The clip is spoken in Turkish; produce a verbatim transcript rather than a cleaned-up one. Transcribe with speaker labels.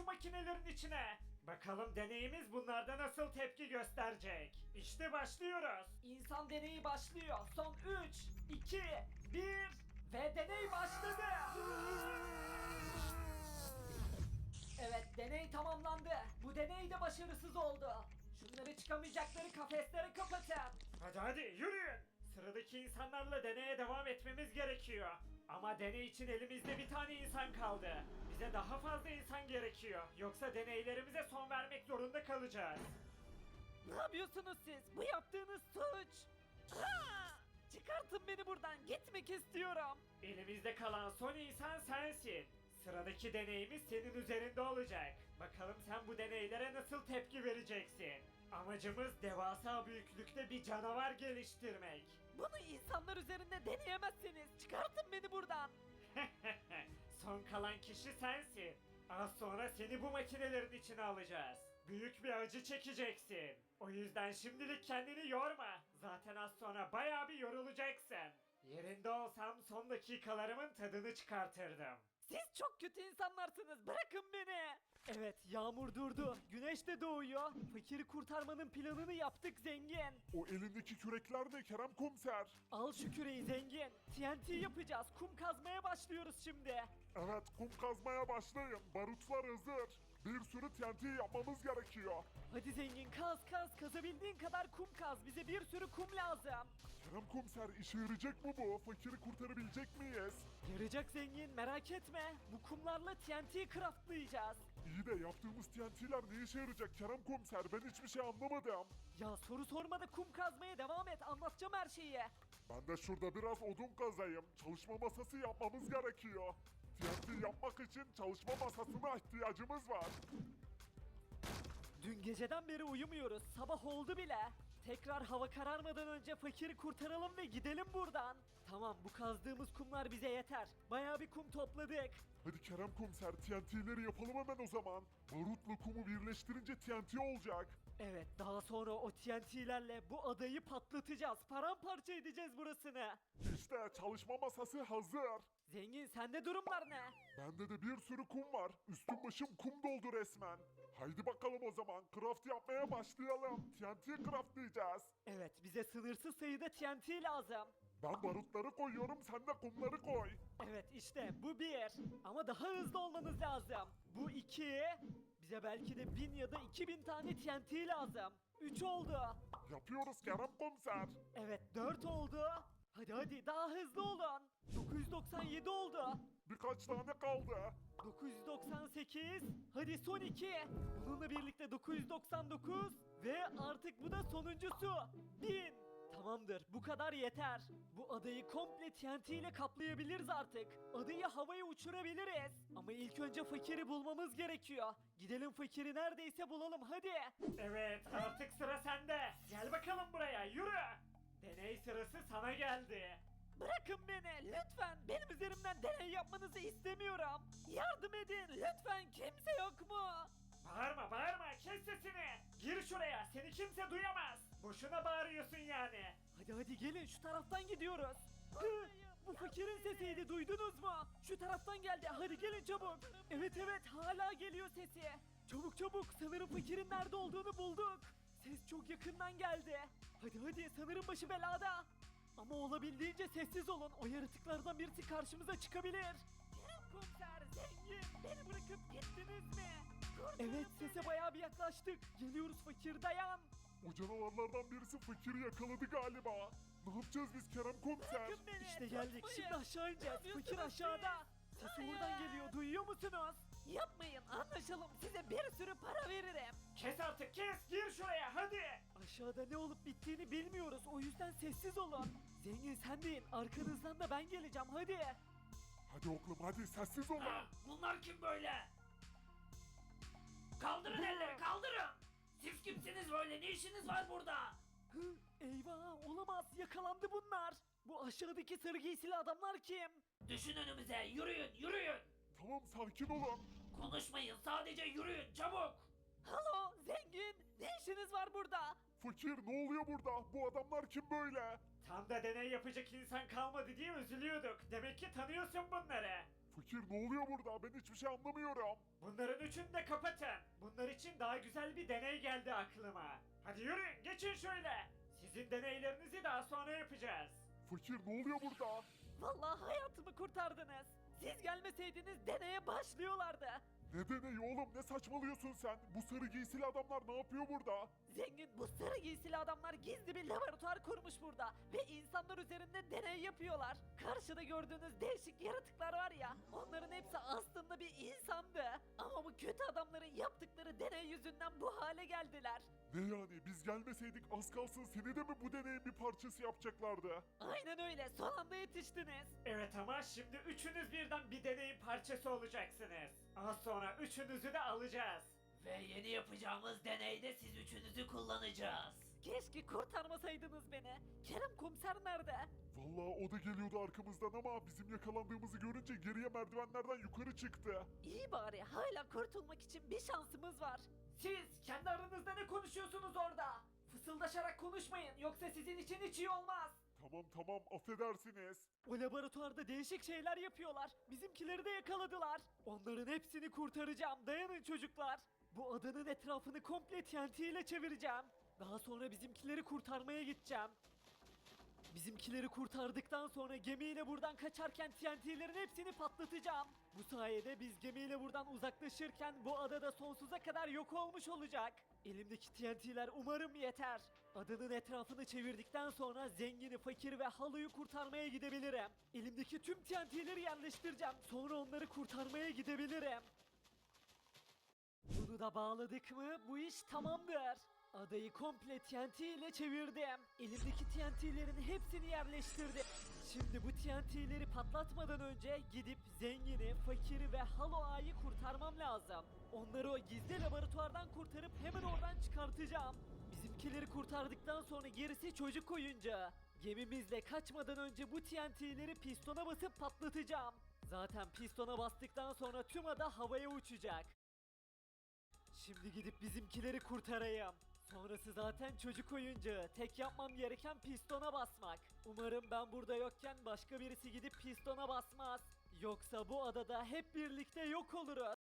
Speaker 1: şu makinelerin içine. Bakalım deneyimiz bunlarda nasıl tepki gösterecek. İşte başlıyoruz. İnsan deneyi başlıyor. Son üç, iki, bir ve deney başladı. Evet, deney tamamlandı. Bu deney de başarısız oldu. Şunları çıkamayacakları kafeslere kapatın. Hadi hadi yürüyün. Sıradaki insanlarla deneye devam etmemiz gerekiyor. Ama deney için elimizde bir tane insan kaldı. Bize daha fazla insan gerekiyor. Yoksa deneylerimize son vermek zorunda kalacağız.
Speaker 2: Ne yapıyorsunuz siz? Bu yaptığınız suç. Aa! Çıkartın beni buradan. Gitmek istiyorum.
Speaker 1: Elimizde kalan son insan sensin. Sıradaki deneyimiz senin üzerinde olacak. Bakalım sen bu deneylere nasıl tepki vereceksin? Amacımız devasa büyüklükte bir canavar geliştirmek.
Speaker 2: Bunu insanlar üzerinde deneyemezsiniz. Çıkartın beni buradan.
Speaker 1: Son kalan kişi sensin. Az sonra seni bu makinelerin içine alacağız. Büyük bir acı çekeceksin. O yüzden şimdilik kendini yorma. Zaten az sonra bayağı bir yorulacaksın. Yerinde olsam son dakikalarımın tadını çıkartırdım.
Speaker 2: Siz çok kötü insanlarsınız. Bırakın beni. Evet, yağmur durdu. Güneş de doğuyor. Fakiri kurtarmanın planını yaptık zengin.
Speaker 3: O elindeki kürekler de Kerem Komiser.
Speaker 2: Al şu küreği zengin. T N T yapacağız. Kum kazmaya başlıyoruz şimdi.
Speaker 3: Evet, kum kazmaya başlayın. Barutlar hazır. Bir sürü T N T yapmamız gerekiyor.
Speaker 2: Hadi zengin kaz kaz. Kazabildiğin kadar kum kaz. Bize bir sürü kum lazım.
Speaker 3: Kerem Komiser, işe yarayacak mı bu? Fakiri kurtarabilecek miyiz?
Speaker 2: Yarayacak zengin, merak etme. Bu kumlarla T N T craftlayacağız.
Speaker 3: İyi de yaptığımız T N T'ler ne işe yarayacak Kerem Komiser? Ben hiçbir şey anlamadım.
Speaker 2: Ya soru sorma da kum kazmaya devam et. Anlatacağım her şeyi.
Speaker 3: Ben de şurada biraz odun kazayım. Çalışma masası yapmamız gerekiyor. T N T yapmak için çalışma masasına ihtiyacımız var.
Speaker 2: Dün geceden beri uyumuyoruz. Sabah oldu bile. Tekrar hava kararmadan önce fakiri kurtaralım ve gidelim buradan. Tamam, bu kazdığımız kumlar bize yeter. Bayağı bir kum topladık.
Speaker 3: Hadi Kerem Komiser, T N T'leri yapalım hemen o zaman. Barutla kumu birleştirince T N T olacak.
Speaker 2: Evet, daha sonra o T N T'lerle bu adayı patlatacağız. Paramparça edeceğiz burasını.
Speaker 3: İşte çalışma masası hazır.
Speaker 2: Zengin, sende durumlar ne?
Speaker 3: Bende de bir sürü kum var. Üstüm başım kum doldu resmen. Haydi bakalım o zaman. Craft yapmaya başlayalım. T N T craftlayacağız.
Speaker 2: Evet, bize sınırsız sayıda T N T lazım.
Speaker 3: Ben barutları koyuyorum, sen de kumları koy.
Speaker 2: Evet, işte bu bir. Ama daha hızlı olmanız lazım. Bu iki. Bize belki de bin ya da iki bin tane T N T lazım. Üç oldu.
Speaker 3: Yapıyoruz Kerem Komiser.
Speaker 2: Evet, dört oldu. Hadi hadi daha hızlı olun. dokuz yüz doksan yedi oldu.
Speaker 3: Birkaç tane kaldı.
Speaker 2: dokuz yüz doksan sekiz. Hadi son iki. Bununla birlikte dokuz yüz doksan dokuz. Ve artık bu da sonuncusu. bin. Tamamdır, bu kadar yeter. Bu adayı komple T N T ile kaplayabiliriz artık. Adayı havaya uçurabiliriz. Ama ilk önce fakiri bulmamız gerekiyor. Gidelim fakiri neredeyse bulalım hadi.
Speaker 1: Evet, artık sıra sende. Gel bakalım buraya, yürü. Deney sırası sana geldi.
Speaker 2: Bırakın beni lütfen. Benim üzerimden deney yapmanızı istemiyorum. Yardım edin lütfen, kimse yok mu?
Speaker 1: Bağırma bağırma, kes sesini. Gir şuraya, seni kimse duyamaz. Boşuna bağırıyorsun yani.
Speaker 2: Hadi hadi gelin, şu taraftan gidiyoruz. Hı, bu fakirin sesiydi, duydunuz mu? Şu taraftan geldi, hadi gelin çabuk. Evet evet, hala geliyor sesi. Çabuk çabuk, sanırım fakirin nerede olduğunu bulduk. Ses çok yakından geldi. Hadi hadi, sanırım başı belada. Ama olabildiğince sessiz olun, o yaratıklardan birisi karşımıza çıkabilir. Kerem Komiser, zengin, beni bırakıp gittiniz mi? Evet, sese bayağı bir yaklaştık. Geliyoruz fakir, dayan.
Speaker 3: O canavarlardan birisi fakiri yakaladı galiba. Ne yapacağız biz Kerem Komiser?
Speaker 2: Bırakın beni. İşte geldik. Şimdi aşağı ineceğiz. Fakir aşağıda. Sesi buradan geliyor. Duyuyor musunuz? Yapmayın. Anlaşalım. Size bir sürü para veririm.
Speaker 1: Kes artık kes, gir şuraya hadi.
Speaker 2: Aşağıda ne olup bittiğini bilmiyoruz. O yüzden sessiz olun. Zengin sen deyin. Arkanızdan da ben geleceğim. Hadi.
Speaker 3: Hadi oğlum hadi sessiz olun.
Speaker 1: Bunlar kim böyle? Kaldırın elleri, kaldırın. Siz kimsiniz böyle, ne işiniz var burada?
Speaker 2: Hı, eyvah olamaz. Yakalandı bunlar. Bu aşağıdaki sarı giysili adamlar kim?
Speaker 1: Düşün önümüze, yürüyün, yürüyün.
Speaker 3: Tamam sakin olun.
Speaker 1: Konuşmayın, sadece yürüyün, çabuk.
Speaker 2: Halo zengin. Ne işiniz var burada?
Speaker 3: Fakir ne oluyor burada? Bu adamlar kim böyle?
Speaker 1: Tam da deney yapacak insan kalmadı diye üzülüyorduk. Demek ki tanıyorsun bunları.
Speaker 3: Fakir ne oluyor burada? Ben hiçbir şey anlamıyorum.
Speaker 1: Bunların üçünü de kapatın. Bunlar için daha güzel bir deney geldi aklıma. Hadi yürüyün, geçin şöyle. Sizin deneylerinizi daha sonra yapacağız.
Speaker 3: Fakir ne oluyor burada?
Speaker 2: Vallahi hayatımı kurtardınız. Siz gelmeseydiniz deneye başlıyorlardı.
Speaker 3: Ne deneyi oğlum, ne saçmalıyorsun sen? Bu sarı giysili adamlar ne yapıyor burada?
Speaker 2: Zengin, bu sarı giysili adamlar gizli bir laboratuvar kurmuş burada ve insanlar üzerinde deney yapıyorlar. Karşıda gördüğünüz değişik yaratıklar var ya, onların hepsi aslında bir insandı. Ama bu kötü adamların yaptıkları deney yüzünden bu hale geldiler.
Speaker 3: Ne yani, biz gelmeseydik az kalsın seni de mi bu deneyin bir parçası yapacaklardı?
Speaker 2: Aynen öyle, son anda yetiştiniz.
Speaker 1: Evet ama şimdi üçünüz birden bir deneyin parçası olacaksınız. Az sonra üçünüzü de alacağız.
Speaker 4: Ve yeni yapacağımız deneyde siz üçünüzü kullanacağız.
Speaker 2: Keşke kurtarmasaydınız beni. Kerem komiser nerede?
Speaker 3: Vallahi o da geliyordu arkamızdan ama bizim yakalandığımızı görünce geriye merdivenlerden yukarı çıktı.
Speaker 2: İyi bari, hala kurtulmak için bir şansımız var.
Speaker 1: Siz kendi aranızda ne konuşuyorsunuz orada? Fısıldaşarak konuşmayın yoksa sizin için hiç iyi olmaz.
Speaker 3: Tamam tamam, affedersiniz.
Speaker 2: O laboratuvarda değişik şeyler yapıyorlar. Bizimkileri de yakaladılar. Onların hepsini kurtaracağım. Dayanın çocuklar. Bu adanın etrafını komple T N T ile çevireceğim. Daha sonra bizimkileri kurtarmaya gideceğim. Bizimkileri kurtardıktan sonra gemiyle buradan kaçarken T N T'lerin hepsini patlatacağım. Bu sayede biz gemiyle buradan uzaklaşırken bu adada sonsuza kadar yok olmuş olacak. Elimdeki T N T'ler umarım yeter. Adanın etrafını çevirdikten sonra zengini, fakiri ve halıyı kurtarmaya gidebilirim. Elimdeki tüm T N T'leri yerleştireceğim. Sonra onları kurtarmaya gidebilirim. Bunu da bağladık mı bu iş tamamdır. Adayı komple T N T ile çevirdim. Elimdeki T N T'lerin hepsini yerleştirdim. Şimdi bu T N T'leri patlatmadan önce gidip zengini, fakiri ve Halo Ağa'yı kurtarmam lazım. Onları o gizli laboratuvardan kurtarıp hemen oradan çıkartacağım. Bizimkileri kurtardıktan sonra gerisi çocuk oyuncağı. Gemimizle kaçmadan önce bu T N T'leri pistona basıp patlatacağım. Zaten pistona bastıktan sonra tüm ada havaya uçacak. Şimdi gidip bizimkileri kurtarayım. Sonrası zaten çocuk oyuncağı. Tek yapmam gereken pistona basmak. Umarım ben burada yokken başka birisi gidip pistona basmaz. Yoksa bu adada hep birlikte yok oluruz.